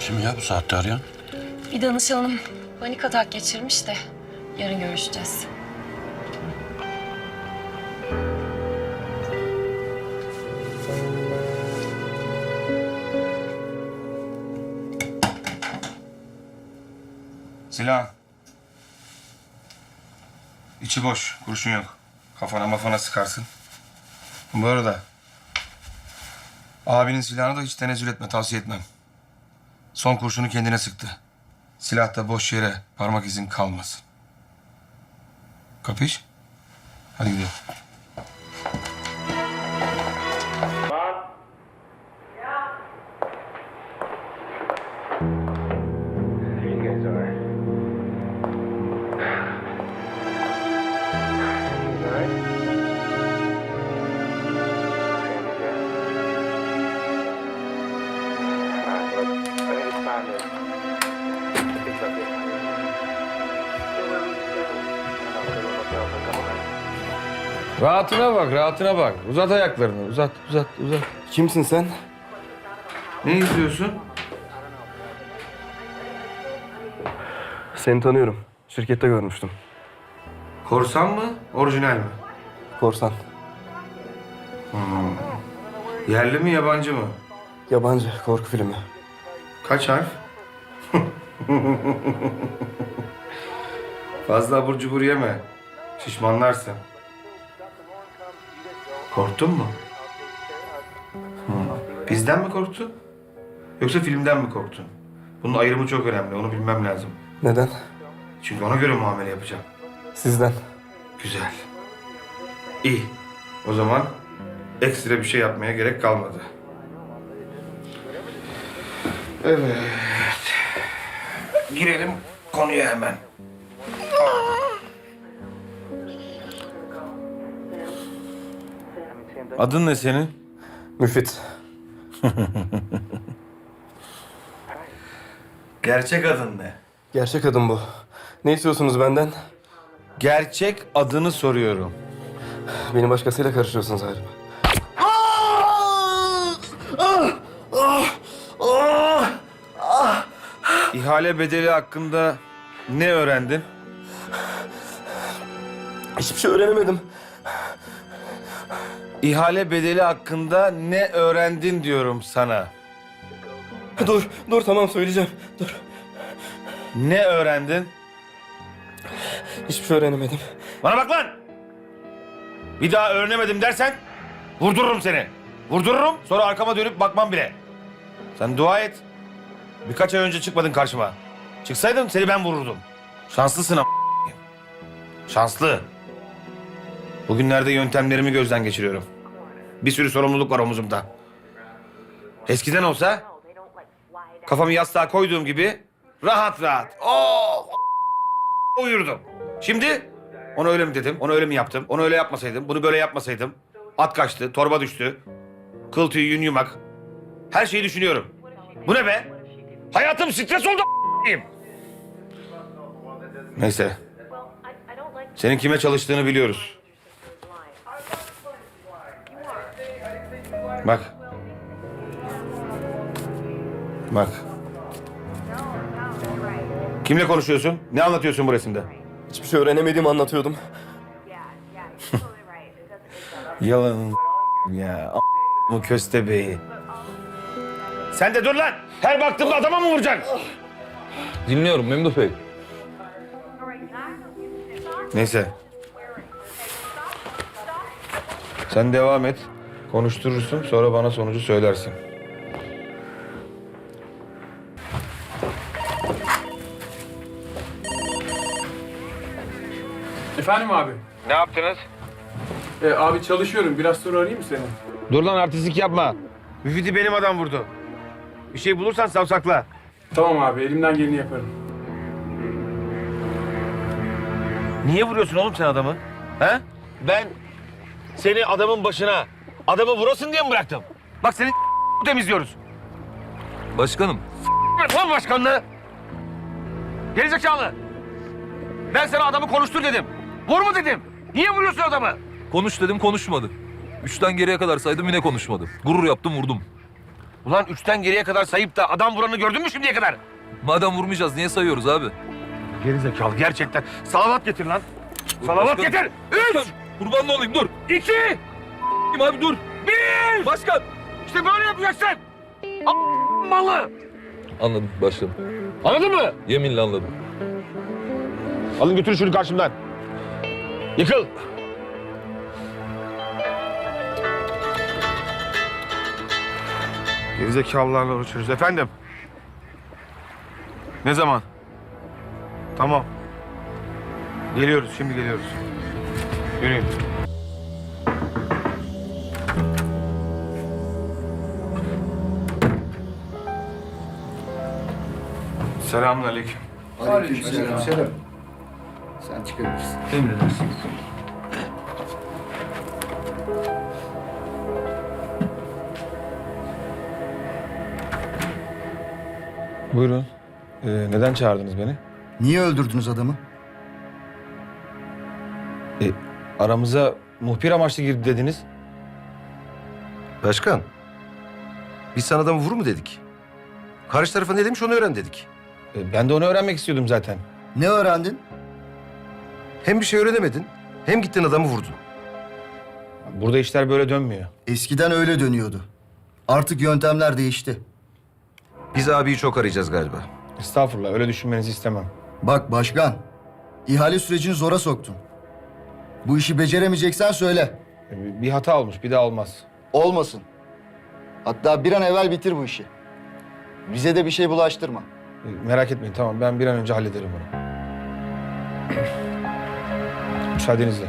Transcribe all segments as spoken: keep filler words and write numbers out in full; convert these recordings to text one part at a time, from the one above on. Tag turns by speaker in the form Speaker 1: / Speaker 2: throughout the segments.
Speaker 1: Kim ya bu saatte arayan?
Speaker 2: Bir danışanım panik atak geçirmiş de yarın görüşeceğiz.
Speaker 3: Silah. İçi boş, kurşun yok. Kafana mafana sıkarsın. Bu arada abinin silahını da hiç tenezzül etme, tavsiye etmem. Son kurşunu kendine sıktı. Silahta boş yere parmak izin kalmasın. Kapış? Hadi gidelim.
Speaker 4: Rahatına bak, rahatına bak. Uzat ayaklarını, uzat, uzat, uzat.
Speaker 3: Kimsin sen? Ne izliyorsun?
Speaker 5: Seni tanıyorum. Şirkette görmüştüm.
Speaker 3: Korsan mı, orijinal mi?
Speaker 5: Korsan.
Speaker 3: Yerli mi, yabancı mı?
Speaker 5: Yabancı korku filmi.
Speaker 3: Kaç harf? Fazla abur cubur yeme. Şişmanlarsın. Korktun mu? Hı. Bizden mi korktun? Yoksa filmden mi korktun? Bunun ayrımı çok önemli. Onu bilmem lazım.
Speaker 5: Neden?
Speaker 3: Çünkü ona göre muamele yapacağım.
Speaker 5: Sizden.
Speaker 3: Güzel. İyi. O zaman ekstra bir şey yapmaya gerek kalmadı. Evet. Girelim konuya hemen. Adın ne senin?
Speaker 5: Müfit.
Speaker 3: Gerçek adın ne?
Speaker 5: Gerçek adım bu. Ne istiyorsunuz benden?
Speaker 3: Gerçek adını soruyorum.
Speaker 5: Beni başkasıyla karıştırıyorsunuz galiba.
Speaker 3: İhale bedeli hakkında ne öğrendin?
Speaker 5: Hiçbir şey öğrenemedim.
Speaker 3: İhale bedeli hakkında ne öğrendin diyorum sana.
Speaker 5: Dur, dur tamam söyleyeceğim. Dur.
Speaker 3: Ne öğrendin?
Speaker 5: Hiçbir şey öğrenemedim.
Speaker 3: Bana bak lan! Bir daha öğrenemedim dersen vurdururum seni. Vurdururum, sonra arkama dönüp bakmam bile. Sen dua et. Birkaç ay önce çıkmadın karşıma. Çıksaydın seni ben vururdum. Şanslısın ama. Şanslı. Bugünlerde yöntemlerimi gözden geçiriyorum. Bir sürü sorumluluk var omuzumda. Eskiden olsa kafamı yastığa koyduğum gibi rahat rahat oh, uyurdum. Şimdi onu öyle mi dedim, onu öyle mi yaptım, onu öyle yapmasaydım, bunu böyle yapmasaydım. At kaçtı, torba düştü, kıl tüy yün yumak. Her şeyi düşünüyorum. Bu ne be? Hayatım stres oldu a**ayım. Neyse. Senin kime çalıştığını biliyoruz. Bak. Bak. Kimle konuşuyorsun? Ne anlatıyorsun bu resimde?
Speaker 5: Hiçbir şey öğrenemediğimi anlatıyordum.
Speaker 3: Yalan ya. Bu köstebeği. Sen de dur lan. Her baktığımda adama mı vuracaksın?
Speaker 4: Dinliyorum Memduh Bey.
Speaker 3: Neyse. Sen devam et. Konuşturursun. Sonra bana sonucu söylersin.
Speaker 6: Efendim abi.
Speaker 3: Ne yaptınız?
Speaker 6: Ee, abi çalışıyorum. Biraz sonra arayayım mı seni?
Speaker 3: Dur lan artistlik yapma. Müfit'i benim adam vurdu. Bir şey bulursan savsakla.
Speaker 6: Tamam abi. Elimden geleni yaparım.
Speaker 3: Niye vuruyorsun oğlum sen adamı? He? Ben seni adamın başına, adamı vurasın diye mi bıraktım? Bak seni temizliyoruz.
Speaker 4: Başkanım.
Speaker 3: Lan başkanlığı! Gerizekalı! Ben sana adamı konuştur dedim. Vur mu dedim. Niye vuruyorsun adamı?
Speaker 4: Konuş dedim konuşmadı. Üçten geriye kadar saydım yine konuşmadı. Gurur yaptım vurdum.
Speaker 3: Ulan üçten geriye kadar sayıp da adam vuranı gördün mü şimdiye kadar?
Speaker 1: Madem vurmayacağız niye sayıyoruz abi?
Speaker 3: Gerizekalı gerçekten. Salavat getir lan. Salavat
Speaker 1: Başkanım.
Speaker 3: getir. Üç,
Speaker 1: Kurban olayım dur.
Speaker 3: iki,
Speaker 1: Kim abi dur.
Speaker 3: bir.
Speaker 1: Başkan.
Speaker 3: İşte böyle yapacaksın. A- malı.
Speaker 1: Anladım başkanım.
Speaker 3: Anladın mı?
Speaker 1: Yeminle anladım.
Speaker 3: Alın götürün şunu karşımdan. Yıkıl. Gerizekalılarla uğraşıyoruz. Efendim? Ne zaman? Tamam. Geliyoruz, şimdi geliyoruz. Yürüyün. Selamünaleyküm.
Speaker 7: Aleykümselam. Selam. Sen çıkabilirsin.
Speaker 4: Buyurun. Ee, neden çağırdınız beni?
Speaker 7: Niye öldürdünüz adamı?
Speaker 4: E, aramıza muhbir amaçlı girdi dediniz.
Speaker 8: Başkan, biz sana adamı vur mu dedik? Karşı tarafa ne demiş onu öğren dedik.
Speaker 4: E, ben de onu öğrenmek istiyordum zaten.
Speaker 7: Ne öğrendin?
Speaker 8: Hem bir şey öğrenemedin, hem gittin adamı vurdun.
Speaker 4: Burada işler böyle dönmüyor.
Speaker 7: Eskiden öyle dönüyordu. Artık yöntemler değişti.
Speaker 8: Biz abiyi çok arayacağız galiba.
Speaker 4: Estağfurullah, öyle düşünmenizi istemem.
Speaker 7: Bak başkan, ihale sürecini zora soktun. Bu işi beceremeyeceksen söyle.
Speaker 4: E, bir hata olmuş, bir daha olmaz.
Speaker 7: Olmasın. Hatta bir an evvel bitir bu işi. Bize de bir şey bulaştırma.
Speaker 4: E, merak etmeyin, tamam. Ben bir an önce hallederim bunu. Müsaadenizle.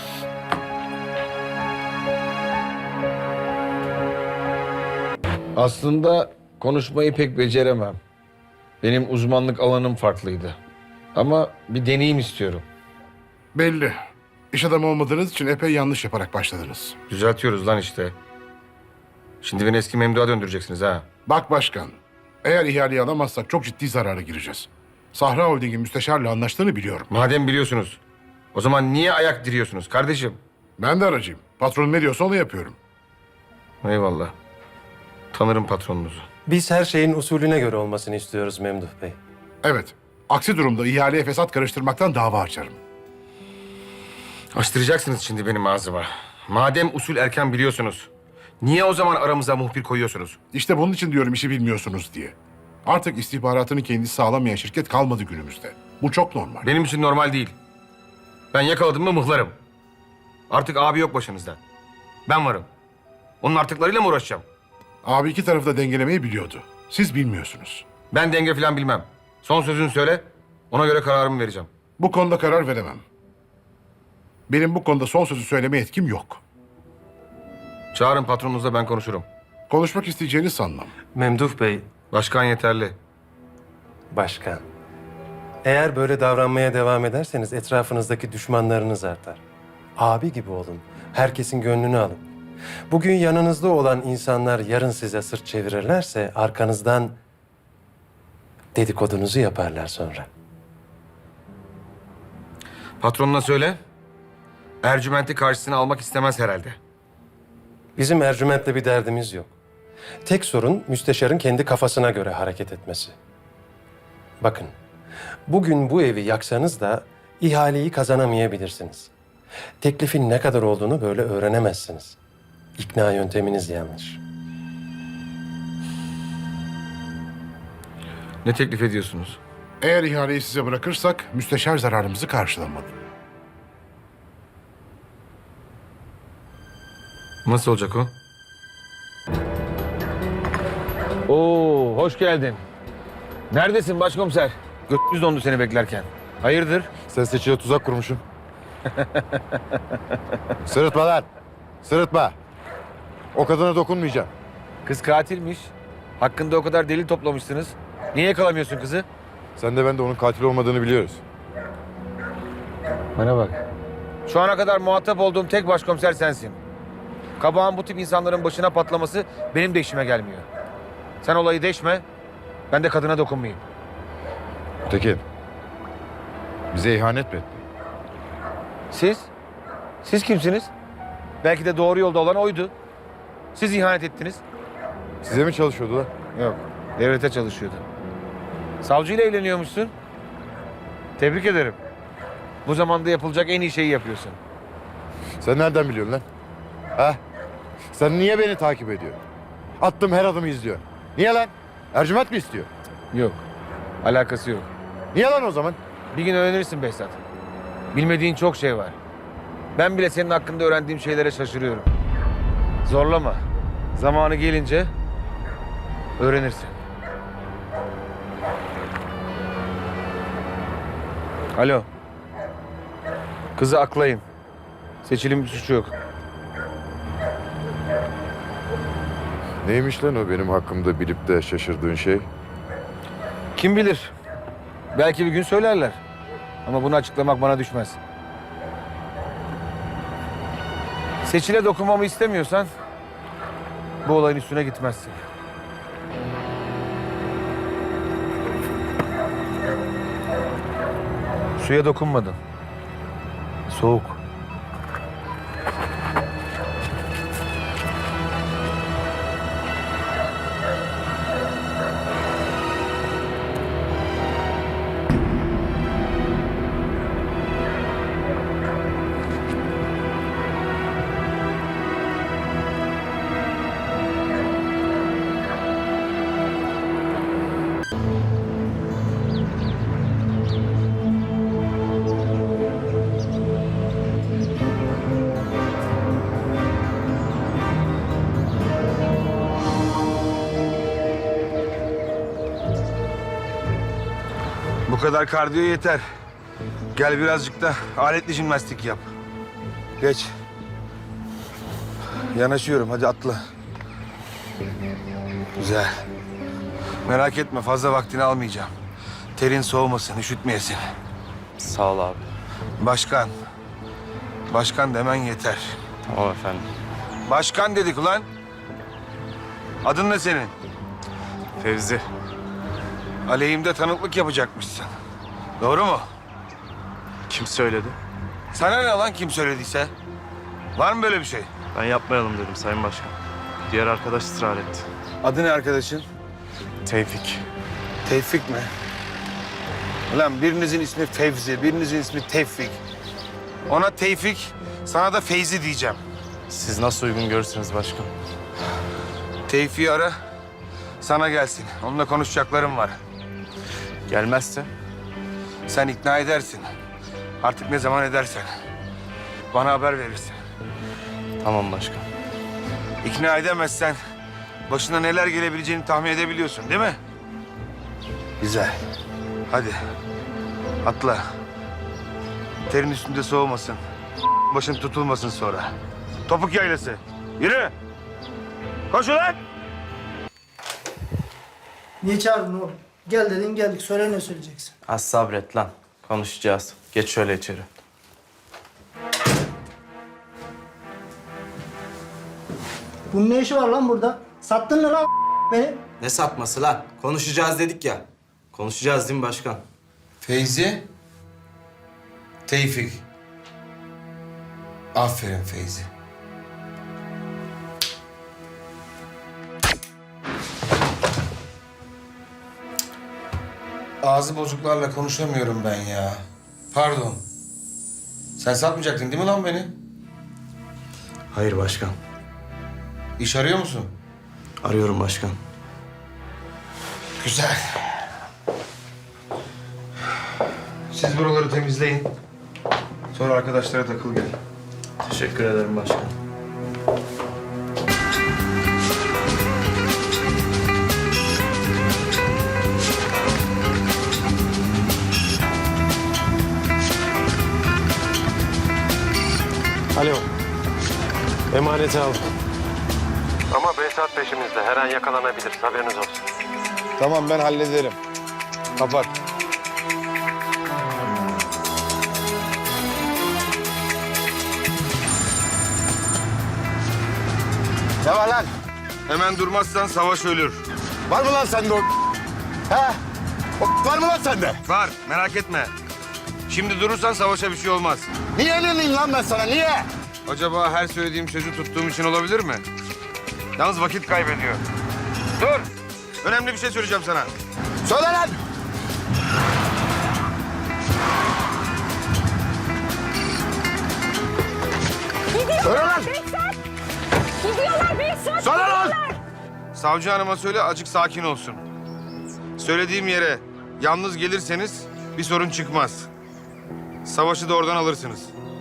Speaker 4: Aslında konuşmayı pek beceremem. Benim uzmanlık alanım farklıydı. Ama bir deneyim istiyorum.
Speaker 9: Belli. İş adamı olmadığınız için epey yanlış yaparak başladınız.
Speaker 3: Düzeltiyoruz lan işte. Şimdi beni eski memduha döndüreceksiniz ha.
Speaker 9: Bak başkan, eğer ihaleyi alamazsak çok ciddi zarara gireceğiz. Sahra Holding'in müsteşarla anlaştığını biliyorum.
Speaker 3: Madem biliyorsunuz, o zaman niye ayak diriyorsunuz kardeşim?
Speaker 9: Ben de aracıyım. Patronum ne diyorsa onu yapıyorum.
Speaker 3: Eyvallah. Tanırım patronunuzu.
Speaker 10: Biz her şeyin usulüne göre olmasını istiyoruz Memduh Bey.
Speaker 9: Evet, aksi durumda ihaleye fesat karıştırmaktan dava açarım.
Speaker 3: Açtıracaksınız şimdi benim ağzıma. Madem usul erken biliyorsunuz, niye o zaman aramıza muhbir koyuyorsunuz?
Speaker 9: İşte bunun için diyorum işi bilmiyorsunuz diye. Artık istihbaratını kendisi sağlamayan şirket kalmadı günümüzde. Bu çok normal.
Speaker 3: Benim için normal değil. Ben yakaladım mı mıhlarım. Artık abi yok başınızda. Ben varım. Onun artıklarıyla mı uğraşacağım?
Speaker 9: Abi iki tarafı da dengelemeyi biliyordu. Siz bilmiyorsunuz.
Speaker 3: Ben denge falan bilmem. Son sözünü söyle, ona göre kararımı vereceğim.
Speaker 9: Bu konuda karar veremem. Benim bu konuda son sözü söyleme yetkim yok.
Speaker 3: Çağırın patronunuzla, ben konuşurum.
Speaker 9: Konuşmak isteyeceğini sanmam.
Speaker 10: Memduh Bey,
Speaker 3: Başkan yeterli.
Speaker 10: başkan. Eğer böyle davranmaya devam ederseniz etrafınızdaki düşmanlarınız artar. Abi gibi olun. Herkesin gönlünü alın. Bugün yanınızda olan insanlar yarın size sırt çevirirlerse arkanızdan dedikodunuzu yaparlar sonra.
Speaker 3: Patronuna söyle, Ercüment'i karşısına almak istemez herhalde.
Speaker 10: Bizim Ercüment'le bir derdimiz yok. Tek sorun müsteşarın kendi kafasına göre hareket etmesi. Bakın, bugün bu evi yaksanız da ihaleyi kazanamayabilirsiniz. Teklifin ne kadar olduğunu böyle öğrenemezsiniz. İkna yönteminiz yanlış.
Speaker 3: Ne teklif ediyorsunuz?
Speaker 9: Eğer ihaleyi size bırakırsak müsteşar zararımızı karşılamalı.
Speaker 3: Nasıl olacak o?
Speaker 4: Oo, hoş geldin. Neredesin başkomiser? Götümüz dondu seni beklerken. Hayırdır?
Speaker 11: Sen seçiye tuzak kurmuşsun. Sırıtma lan. Sırıtma. O kadına dokunmayacağım.
Speaker 4: Kız katilmiş. Hakkında o kadar delil toplamışsınız. Niye yakalamıyorsun kızı?
Speaker 11: Sen de ben de onun katil olmadığını biliyoruz.
Speaker 4: Bana bak. Şu ana kadar muhatap olduğum tek başkomiser sensin. Kabağın bu tip insanların başına patlaması benim de işime gelmiyor. Sen olayı deşme, ben de kadına dokunmayayım.
Speaker 11: Tekin. Bize ihanet mi ettin?
Speaker 4: Siz? Siz kimsiniz? Belki de doğru yolda olan oydu. Siz ihanet ettiniz.
Speaker 11: Size mi çalışıyordu lan?
Speaker 4: Yok, devlete çalışıyordu. Savcıyla evleniyormuşsun. Tebrik ederim. Bu zamanda yapılacak en iyi şeyi yapıyorsun.
Speaker 11: Sen nereden biliyorsun lan? Ha? Sen niye beni takip ediyorsun? Attığım her adımı izliyor. Niye lan? Ercüment mi istiyor?
Speaker 4: Yok, alakası yok.
Speaker 11: Niye lan o zaman?
Speaker 4: Bir gün öğrenirsin Behzat. Bilmediğin çok şey var. Ben bile senin hakkında öğrendiğim şeylere şaşırıyorum. Zorlama. Zamanı gelince öğrenirsin. Alo. Kızı aklayın. Seçil'in bir suçu yok.
Speaker 11: Neymiş lan o benim hakkımda bilip de şaşırdığın şey?
Speaker 4: Kim bilir? Belki bir gün söylerler. Ama bunu açıklamak bana düşmez. Seçil'e dokunmamı istemiyorsan bu olayın üstüne gitmezsin. Suya dokunmadın. Soğuk. Bu kadar kardiyo yeter. Gel birazcık da aletli jimnastik yap. Geç. Yanaşıyorum, hadi atla. Güzel. Merak etme, fazla vaktini almayacağım. Terin soğumasın, üşütmeyesin.
Speaker 5: Sağ ol abi.
Speaker 4: Başkan. Başkan demen yeter.
Speaker 5: Tamam efendim.
Speaker 4: Başkan dedik ulan. Adın ne senin?
Speaker 5: Fevzi.
Speaker 4: Aleyhimde tanıklık yapacakmışsın. Doğru mu?
Speaker 5: Kim söyledi?
Speaker 4: Sana ne lan kim söylediyse? Var mı böyle bir şey?
Speaker 5: Ben yapmayalım dedim Sayın Başkan. Diğer arkadaş ısrar etti.
Speaker 4: Adı ne arkadaşın?
Speaker 5: Tevfik.
Speaker 4: Tevfik mi? Ulan birinizin ismi Fevzi, birinizin ismi Tevfik. Ona Tevfik, sana da Feyzi diyeceğim.
Speaker 5: Siz nasıl uygun görürsünüz başkan?
Speaker 4: Tevfik'i ara, sana gelsin. Onunla konuşacaklarım var.
Speaker 5: Gelmezse?
Speaker 4: Sen ikna edersin. Artık ne zaman edersen. Bana haber verirsin.
Speaker 5: Tamam başkan.
Speaker 4: İkna edemezsen başına neler gelebileceğini tahmin edebiliyorsun değil mi? Güzel. Hadi. Atla. Terin üstünde soğumasın. Başın tutulmasın sonra. Topuk yaylası. Yürü. Koş ulan.
Speaker 12: Niye çağırdın oğlum? Gel dedin geldik. Söyle ne söyleyeceksin?
Speaker 5: Az sabret lan. Konuşacağız. Geç şöyle içeri.
Speaker 12: Bunun ne işi var lan burada? Sattın mı lan beni?
Speaker 5: Ne satması lan? Konuşacağız dedik ya. Konuşacağız değil mi başkan?
Speaker 4: Feyzi. Tevfik. Aferin Feyzi. Ağzı bozuklarla konuşamıyorum ben ya. Pardon. Sen satmayacaktın değil mi lan beni?
Speaker 5: Hayır başkan.
Speaker 4: İş arıyor musun?
Speaker 5: Arıyorum başkan.
Speaker 4: Güzel. Siz buraları temizleyin. Sonra arkadaşlara takıl gel.
Speaker 5: Teşekkür ederim başkan.
Speaker 10: Alo. Emaneti al. Ama Behzat peşimizde. Her an yakalanabilir. Haberiniz olsun.
Speaker 4: Tamam ben hallederim. Kapat. Ne var lan? Hemen durmazsan savaş ölür.
Speaker 11: Var mı lan sende o? He? O var mı lan sende?
Speaker 4: Var, merak etme. Şimdi durursan savaşa bir şey olmaz.
Speaker 11: Niye yenileyim lan ben sana, niye?
Speaker 4: Acaba her söylediğim sözü tuttuğum için olabilir mi? Yalnız vakit kaybediyor. Dur. Önemli bir şey söyleyeceğim sana. Söyle lan. Söyle lan.
Speaker 2: Gidiyorlar Behzat!
Speaker 4: Söyle lan. Savcı hanıma söyle acık sakin olsun. Söylediğim yere yalnız gelirseniz bir sorun çıkmaz. Savaşı da oradan alırsınız.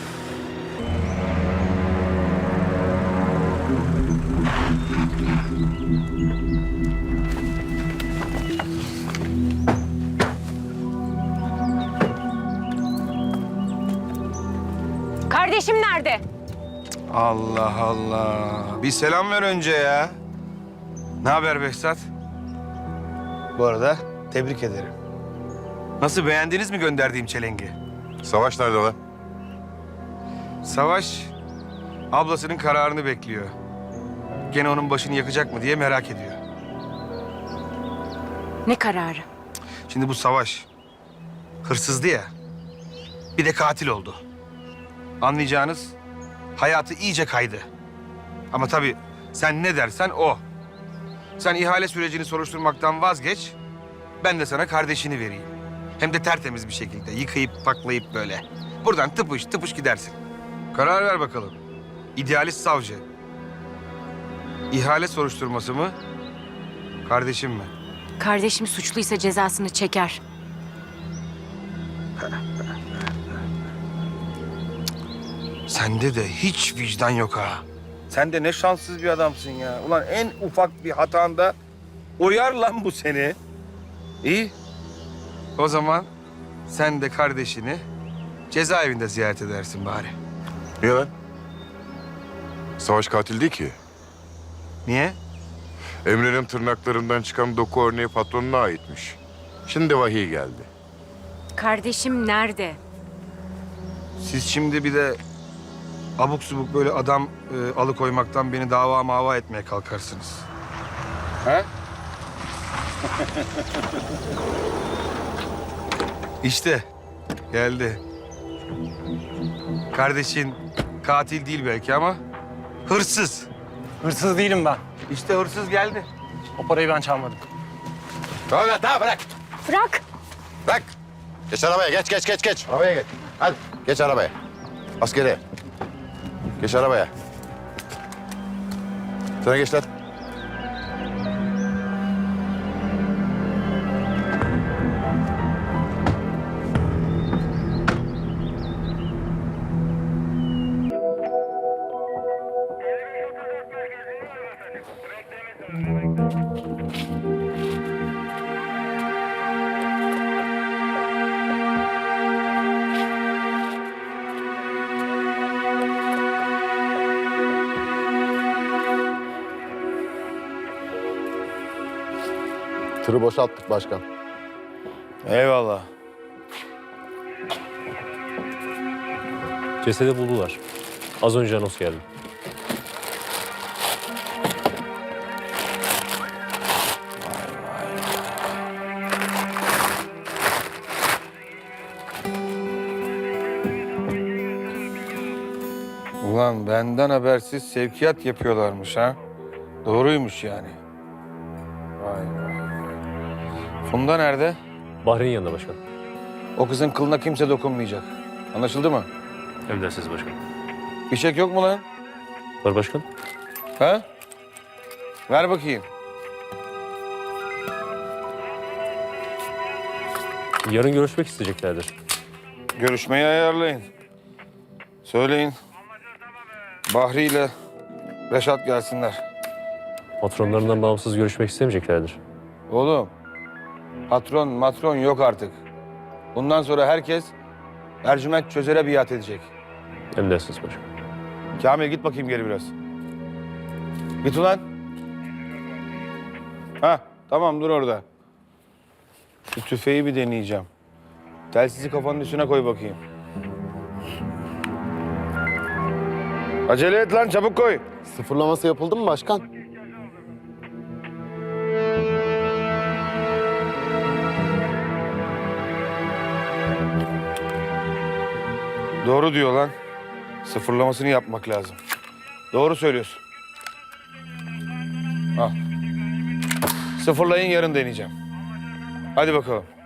Speaker 2: Kardeşim nerede?
Speaker 4: Allah Allah. Bir selam ver önce ya. Ne haber Behzat? Bu arada tebrik ederim. Nasıl, beğendiniz mi gönderdiğim çelengi?
Speaker 11: Savaş nerede lan?
Speaker 4: Savaş ablasının kararını bekliyor. Gene onun başını yakacak mı diye merak ediyor.
Speaker 2: Ne kararı?
Speaker 4: Şimdi bu Savaş hırsızdı ya. Bir de katil oldu. Anlayacağınız hayatı iyice kaydı. Ama tabii sen ne dersen o. Sen ihale sürecini soruşturmaktan vazgeç. Ben de sana kardeşini vereyim. Hem de tertemiz bir şekilde yıkayıp paklayıp böyle. Buradan tıpış tıpış gidersin. Karar ver bakalım. İdealist savcı. İhale soruşturması mı? Kardeşim mi?
Speaker 2: Kardeşim suçluysa cezasını çeker.
Speaker 4: Sende de hiç vicdan yok ha. Sen de ne şanssız bir adamsın ya. Ulan en ufak bir hatanda uyar lan bu seni. İyi. O zaman sen de kardeşini cezaevinde ziyaret edersin bari.
Speaker 11: Niye lan? Savaş katil değil ki.
Speaker 4: Niye?
Speaker 11: Emre'nin tırnaklarından çıkan doku örneği patronuna aitmiş. Şimdi vahiy geldi.
Speaker 2: Kardeşim nerede?
Speaker 4: Siz şimdi bir de abuk subuk böyle adam e, alıkoymaktan beni dava mava etmeye kalkarsınız. Ha? İşte geldi. Kardeşin katil değil belki ama hırsız.
Speaker 5: Hırsız değilim ben.
Speaker 4: İşte hırsız geldi.
Speaker 5: O parayı ben çalmadım.
Speaker 11: Tamam lan, tamam bırak.
Speaker 2: Bırak!
Speaker 11: Bırak. Geç arabaya, geç, geç, geç, geç. Arabaya geç. Hadi, geç arabaya. Askeri. Geç arabaya. Sana geç lan. Tırı boşalttık başkan.
Speaker 4: Eyvallah.
Speaker 13: Cesedi buldular. Az önce anons geldi.
Speaker 4: Ulan benden habersiz sevkiyat yapıyorlarmış ha. Doğruymuş yani. Vay vay. Funda nerede?
Speaker 13: Bahreyn yanında başkan.
Speaker 4: O kızın kılına kimse dokunmayacak. Anlaşıldı mı?
Speaker 13: Emredersiniz başkan.
Speaker 4: Fişek yok mu lan?
Speaker 13: Var başkan.
Speaker 4: Ha? Ver bakayım.
Speaker 13: Yarın görüşmek isteyeceklerdir.
Speaker 4: Görüşmeyi ayarlayın. Söyleyin. Bahri ile Reşat gelsinler.
Speaker 13: Patronlarından bağımsız görüşmek istemeyeceklerdir.
Speaker 4: Oğlum, patron matron yok artık. Bundan sonra herkes Ercüment Çözer'e biat edecek.
Speaker 13: Emredersiniz başkan.
Speaker 4: Kamil git bakayım geri biraz. Git ulan. Ha, tamam dur orada. Şu tüfeği bir deneyeceğim. Telsizi kafanın üstüne koy bakayım. Acele et lan, çabuk koy.
Speaker 11: Sıfırlaması yapıldı mı başkan?
Speaker 4: Doğru diyor lan. Sıfırlamasını yapmak lazım. Doğru söylüyorsun. Al. Sıfırlayın, yarın deneyeceğim. Hadi bakalım.